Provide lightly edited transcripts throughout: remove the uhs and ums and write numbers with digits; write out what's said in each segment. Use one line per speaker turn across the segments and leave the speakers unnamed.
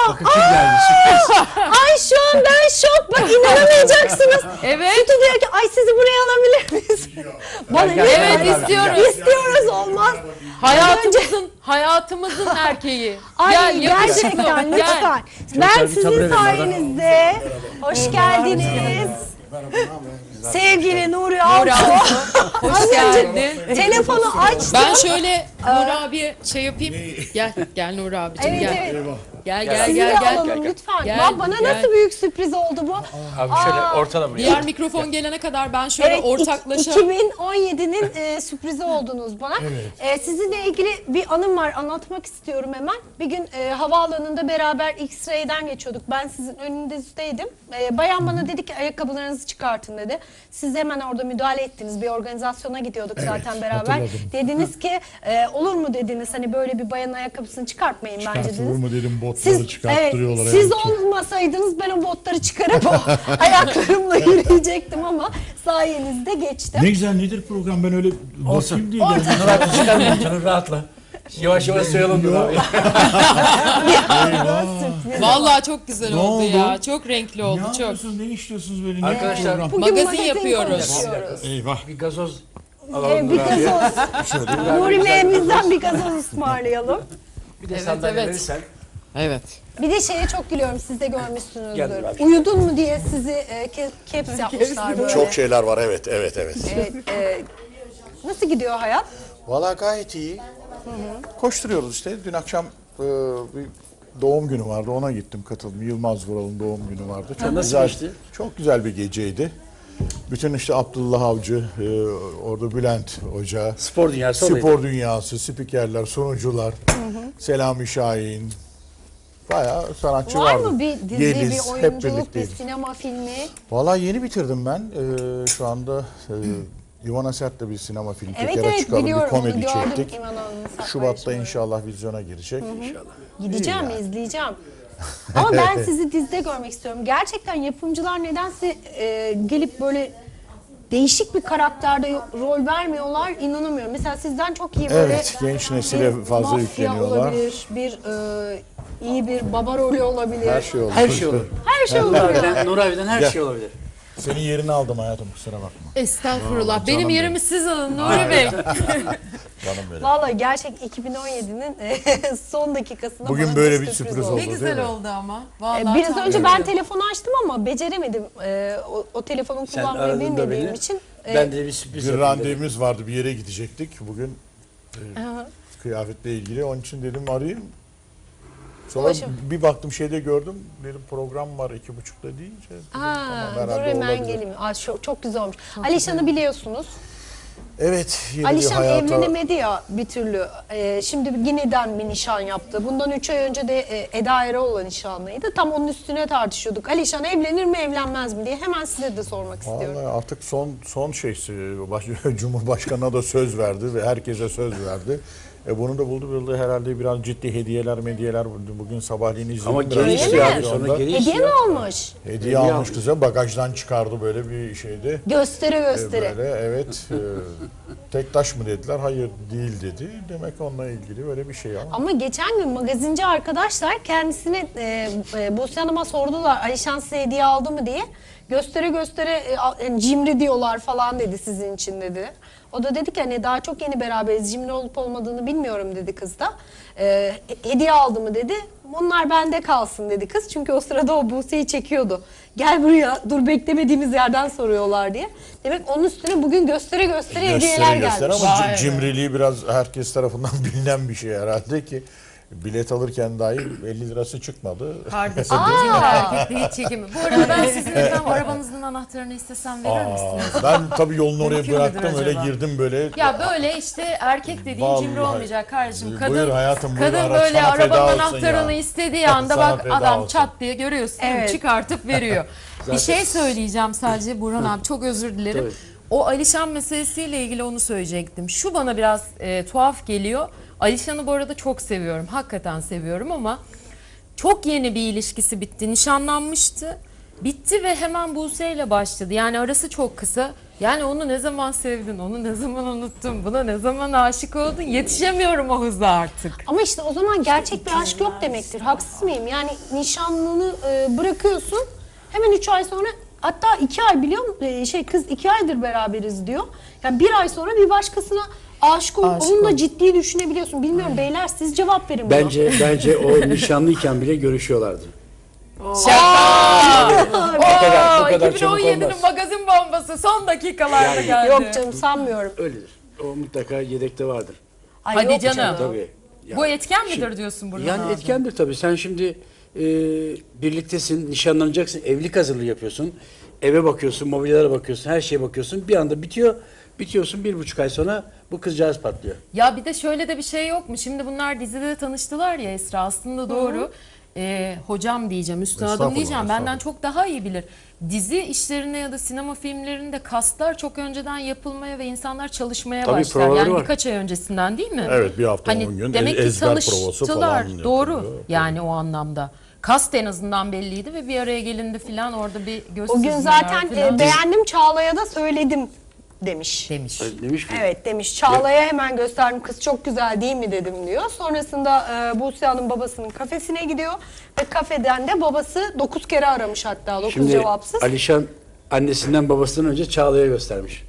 Bakın kim geldi, sürpriz.
Ay şu an ben şok. Bak inanamayacaksınız.
Evet.
Sütü diyor ki ay sizi buraya alabilir miyiz? Bana
Gel,
lütfen.
Evet istiyoruz.
İstiyoruz olmaz.
Hayatımızın erkeği.
Ay
Gel, yakışıklı.
gerçekten
Gel.
lütfen. Ben
bir tabure
sizin
verin bana.
sayenizde hoş geldiniz. Sevgili Nuri
Nuri
Altuğ.
abi, hoş geldin.
Telefonu açtım.
Ben şöyle Nuri abi şey yapayım. Gel Nuri abicim
Evet,
gel.
evet.
Gel
Sizi de alalım lütfen.
Gel,
Bak, bana
gel.
nasıl büyük sürpriz oldu bu.
Abi şöyle ortala buraya.
Diğer mikrofon gelene kadar ben şöyle
Evet,
ortaklaşa
2017'nin sürprizi oldunuz bana. Sizinle ilgili bir anım var, anlatmak istiyorum hemen. Bir gün havaalanında beraber X-Ray'den geçiyorduk. Ben sizin önünüzdeydim. Bayan bana dedi ki ayakkabılarınızı çıkartın dedi. Siz hemen orada müdahale ettiniz. Bir organizasyona gidiyorduk zaten beraber.
hatırladım.
Dediniz ki olur mu dediniz, hani böyle bir bayanın ayakkabısını çıkartmayın bence
Çıkartılır
dediniz.
mı dedim, botları çıkarttırıyorlar.
Evet, siz
yani.
olmasaydınız ben o botları çıkarıp o ayaklarımla yürüyecektim ama sayenizde geçtim.
Ne güzel, nedir program, ben öyle bakayım diye geldim.
Nur abi çıkarmayın canım, rahatla. Yavaş yavaş sayalım Nur abi.
Sürpriz.
vallahi çok güzel
Ne
oldu
oldu?
ya. Çok renkli oldu
Ne
çok.
yapıyorsunuz, ne işliyorsunuz böyle?
Arkadaşlar,
Ne program?
Bugün
Magazin yapıyoruz.
konuşuyoruz.
Eyvah.
Bir gazoz alalım
Bir
Nur abi.
gazoz. Nuri Bey'imizden bir gazoz ısmarlayalım.
Bir de
Evet,
sandalye
evet.
verirsen.
Evet.
Bir de şeye çok gülüyorum, siz de görmüşsünüzdür.
Gel Nuri abi.
Uyudun mu diye sizi caps yapmışlar böyle.
Çok şeyler var, evet.
Evet, nasıl gidiyor hayat?
Valla gayet iyi. Koşturuyoruz işte. Dün akşam bir doğum günü vardı, ona gittim, katıldım. Yılmaz Vural'ın doğum günü vardı. Çok
Nasıl
güzel,
geçti?
çok güzel bir geceydi. Bütün işte Abdullah Avcı, orada Bülent Hoca,
Spor dünyası olaydı.
spor dünyası, spikerler, sunucular, Selami Şahin, bayağı sanatçı
Var
vardı.
mı bir dizi,
Yeliz,
bir
hep
oyunculuk, bir
birlikteydik.
sinema filmi?
Valla yeni bitirdim ben. Şu anda Ivana Sert'le bir sinema filmi
Evet
tekrar
evet
çıkalım, bir
biliyorum, onu
komedi
gördüm.
çektik.
İvan Hanım'ın
Şubat'ta
paylaşımını.
inşallah vizyona girecek. İnşallah.
Gideceğim,
İyi yani.
izleyeceğim. Ama ben sizi dizide görmek istiyorum. Gerçekten yapımcılar nedense gelip böyle değişik bir karakterde rol vermiyorlar, inanamıyorum. Mesela sizden çok iyi böyle
Evet, genç nesile
bir
fazla
mafya
yükleniyorlar.
olabilir, bir iyi bir baba rolü olabilir.
Her şey olur.
Her şey olur.
Her şey
Nur
olabilir.
abiden, Nur abiden her
Gel.
şey olabilir.
Senin yerini aldım hayatım, kusura bakma.
Estağfurullah. Benim
canım
yerimi siz alın Nuri Bey.
Canım benim.
Vallahi gerçek 2017'nin son dakikasında
Bugün
bana
böyle bir sürpriz oldu.
Ne
değil
güzel
mi?
oldu ama. Vallahi
Biraz
tam
önce
böyle.
ben telefonu açtım ama beceremedim. O telefonu
Sen
kullanmayı
aradın da
bilmediğim
beni.
için.
Ben de bir sürpriz
Bir
yapayım dedim.
randevumuz vardı, bir yere gidecektik bugün. Kıyafetle ilgili, onun için dedim arayayım. Sonra
Ulaşım.
bir baktım şeyde gördüm, dedim program var 2.30'da deyince. dedim, tamam,
Dur
herhalde
hemen
olabilir.
geleyim. Çok güzel olmuş. Alişan'ı biliyorsunuz.
Evet, yeni bir
Alişan
hayata...
evlenemedi ya bir türlü. Şimdi yeniden bir nişan yaptı. Bundan 3 ay önce de Eda Eroğlu'la nişanlıydı. Tam onun üstüne tartışıyorduk. Alişan evlenir mi evlenmez mi diye. Hemen size de sormak istiyorum.
Vallahi artık son şeysi, Cumhurbaşkanı'na da söz verdi ve herkese söz verdi. Bunu da buldu herhalde, biraz ciddi hediyeler bugün sabahleyin izledim.
Ama
biraz
geri istiyor abi,
televizyonda.
sonra geri
Hediye mi
istiyor.
almış?
Hediye almış kıza, bagajdan çıkardı böyle bir şeydi.
Göstere göstere.
Böyle evet, tek taş mı dediler, hayır değil dedi. Demek onunla ilgili böyle bir şey ama.
Ama geçen gün magazinci arkadaşlar kendisine Buse Hanım'a sordular Alişan size hediye aldı mı diye. Göstere göstere cimri diyorlar falan dedi sizin için dedi. O da dedi ki hani daha çok yeni beraberiz, cimri olup olmadığını bilmiyorum dedi kız da. Hediye aldı mı dedi. Bunlar bende kalsın dedi kız. Çünkü o sırada o Buse'yi çekiyordu. Gel buraya, dur beklemediğimiz yerden soruyorlar diye. Demek onun üstüne bugün göstere göstere hediyeler gelmiş.
Ama
Vay be.
cimriliği biraz herkes tarafından bilinen bir şey herhalde ki bilet alırken dahi 50 lirası çıkmadı.
Kardeşim cimri erkekliği hiç çekimi. Bu arada ben sizin efendim arabanızın anahtarını istesem verir misiniz?
Ben tabii yolunu oraya
Mümkün müdür
bıraktım, öyle
acaba?
girdim böyle.
Ya böyle işte erkek dediğin
Vallahi.
cimri olmayacak kardeşim. Kadın,
Buyur hayatım, buyur,
kadın
araç
böyle
sana feda
arabanın
olsun
anahtarını
ya.
istediği anda
Sana
bak
feda
adam
olsun.
çat diye görüyorsun değil mi?
Evet.
Çıkartıp veriyor. Bir şey söyleyeceğim sadece Burhan abi, çok özür dilerim.
Tabii.
O Alişan meselesiyle ilgili onu söyleyecektim. Şu bana biraz tuhaf geliyor. Alişan'ı bu arada çok seviyorum. Hakikaten seviyorum ama çok yeni bir ilişkisi bitti. Nişanlanmıştı. Bitti ve hemen Buse ile başladı. Yani arası çok kısa. Yani onu ne zaman sevdin, onu ne zaman unuttun, buna ne zaman aşık oldun, yetişemiyorum o hıza artık.
Ama işte o zaman gerçek bir aşk yok demektir. Haksız mıyım? Yani nişanlını bırakıyorsun. Hemen 3 ay sonra, hatta 2 ay biliyor musun? Kız 2 aydır beraberiz diyor. Yani 1 ay sonra bir başkasına aşık olup onun da ciddi düşünebiliyorsun. Bilmiyorum beyler, siz cevap verin buna.
Bence o nişanlıyken bile görüşüyorlardı.
Bu
kadar çabuk
2017'nin
olmaz.
magazin bombası son dakikalarda
Yani-
geldi.
Yok canım, sanmıyorum.
Öyledir. O mutlaka yedekte vardır.
Ay,
Hadi
yok
canım.
Tabii. Yani,
Bu etken midir diyorsun burada?
yani etkendir tabii. Sen şimdi birliktesin, nişanlanacaksın, evlilik hazırlığı yapıyorsun. Eve bakıyorsun, mobilyalara bakıyorsun, her şeye bakıyorsun. Bir anda bitiyor. Bitiyorsun 1,5 ay sonra bu kızcağız patlıyor.
Ya bir de şöyle de bir şey yok mu? Şimdi bunlar dizide tanıştılar ya Esra, aslında doğru. Hocam diyeceğim, üstadım
Estağfurullah,
diyeceğim. Benden
estağfurullah.
çok daha iyi bilir. Dizi işlerinde ya da sinema filmlerinde kastlar çok önceden yapılmaya ve insanlar çalışmaya
Tabii,
başlar.
provaları
Yani
var.
birkaç ay öncesinden değil mi?
Evet, bir hafta 10 gün
demek ki
ezber provası
tanıştılar.
falan
Doğru.
yapılıyor.
Yani o anlamda. Kast en azından belliydi ve bir araya gelindi filan, orada bir göz
O gün
süzmeler
zaten
filan
beğendim, Çağla'ya da söyledim demiş.
demiş.
Demiş mi?
Evet demiş. Çağla'ya hemen gösterdim. Kız çok güzel değil mi dedim diyor. Sonrasında Buse Hanım babasının kafesine gidiyor. Ve kafeden de babası 9 kere aramış hatta. 9
Şimdi
cevapsız.
Alişan annesinden babasından önce Çağla'ya göstermiş.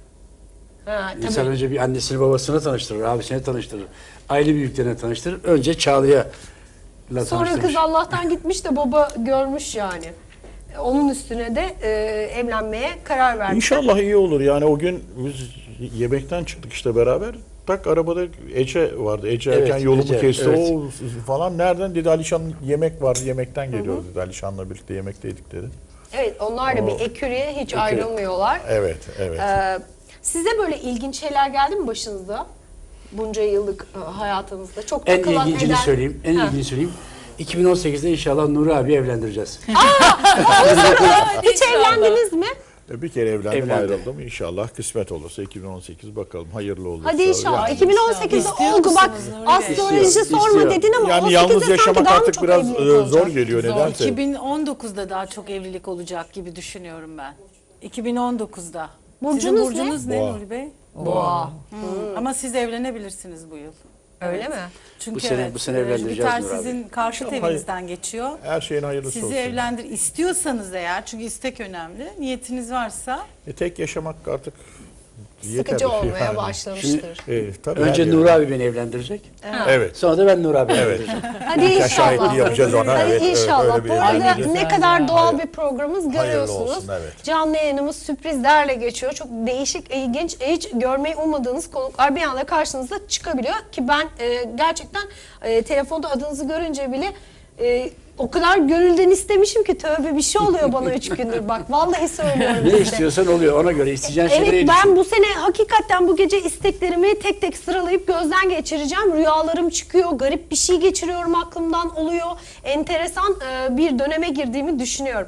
Ha, tabii.
İnsan önce bir annesini babasına tanıştırır, abisine tanıştırır. Aile büyüklerine tanıştırır. Önce Çağla'ya
Sonra
tanıştırmış.
kız Allah'tan gitmiş de baba görmüş yani. Onun üstüne de evlenmeye karar vermiş.
İnşallah iyi olur. Yani o gün biz yemekten çıktık işte beraber. Tak arabada Ece vardı. Ece
Evet,
erken yolumu
Ece,
kesti.
evet.
O falan nereden dedi, Alişan yemek var, yemekten geliyor dedi. Alişan'la birlikte yemekteydik dedi.
Evet, onlar da bir ekürüye hiç
Ekürü.
ayrılmıyorlar.
Evet, evet.
Size böyle ilginç şeyler geldi mi başınıza? Bunca yıllık hayatınızda. Çok
En
takılan
ilgincini
eden...
söyleyeyim. En
Ha.
ilgincini söyleyeyim. 2018'de inşallah Nuri abi evlendireceğiz.
Hiç evlendiniz mi?
Bir kere evlendim,
Evlendi.
ayrıldım. İnşallah kısmet olursa 2018 bakalım, hayırlı olursa.
Hadi inşallah.
Yani,
2018'de
İstiyor
oldu bak.
musunuz Nuri Bey?
Astroloji
İstiyor,
sorma
istiyor.
dedin ama
yani
18'de
yalnız
sanki
yaşamak
daha mı
artık
çok
biraz
evlilik
zor
olacak?
geliyor nedense.
2019'da daha çok evlilik olacak gibi düşünüyorum ben. 2019'da.
Burcunuz
Sizin
ne?
burcunuz ne
Boğa.
Nuri Bey?
Boğa.
Ama siz evlenebilirsiniz bu yıl.
Öyle mi?
Çünkü
Bu sene- bu sene evlendireceğiz
Jüpiter
Nuri abi.
sizin karşıt
İnşallah.
evinizden geçiyor.
Her şeyin hayırlısı
Sizi
olsun.
evlendir istiyorsanız eğer, çünkü istek önemli. Niyetiniz varsa
Tek yaşamak artık yeter.
Sıkıcı olmaya
Yani.
başlamıştır.
Tabii
Önce
her
Nuri
yerde.
abi beni evlendirecek.
Evet.
Sonra da ben Nuri abi evlendireceğim.
Hadi inşallah.
şahitliği yapacağız ona,
Hadi
evet,
inşallah.
öyle bir
Bu arada
evlilik.
ne kadar doğal bir programımız
Hayırlı
görüyorsunuz.
olsun, evet.
Canlı yayınımız sürprizlerle geçiyor. Çok değişik, ilginç, hiç görmeyi ummadığınız konuklar bir anda karşınıza çıkabiliyor. Ki ben gerçekten telefonda adınızı görünce bile o kadar gönülden istemişim ki tövbe bir şey oluyor bana 3 gündür. Bak vallahi söylüyorum
Ne
size.
istiyorsan oluyor. Ona göre isteyeceğin şeyleri
Evet,
düşün.
ben bu sene hakikaten bu gece isteklerimi tek tek sıralayıp gözden geçireceğim. Rüyalarım çıkıyor, garip bir şey geçiriyorum, aklımdan oluyor. Enteresan bir döneme girdiğimi düşünüyorum.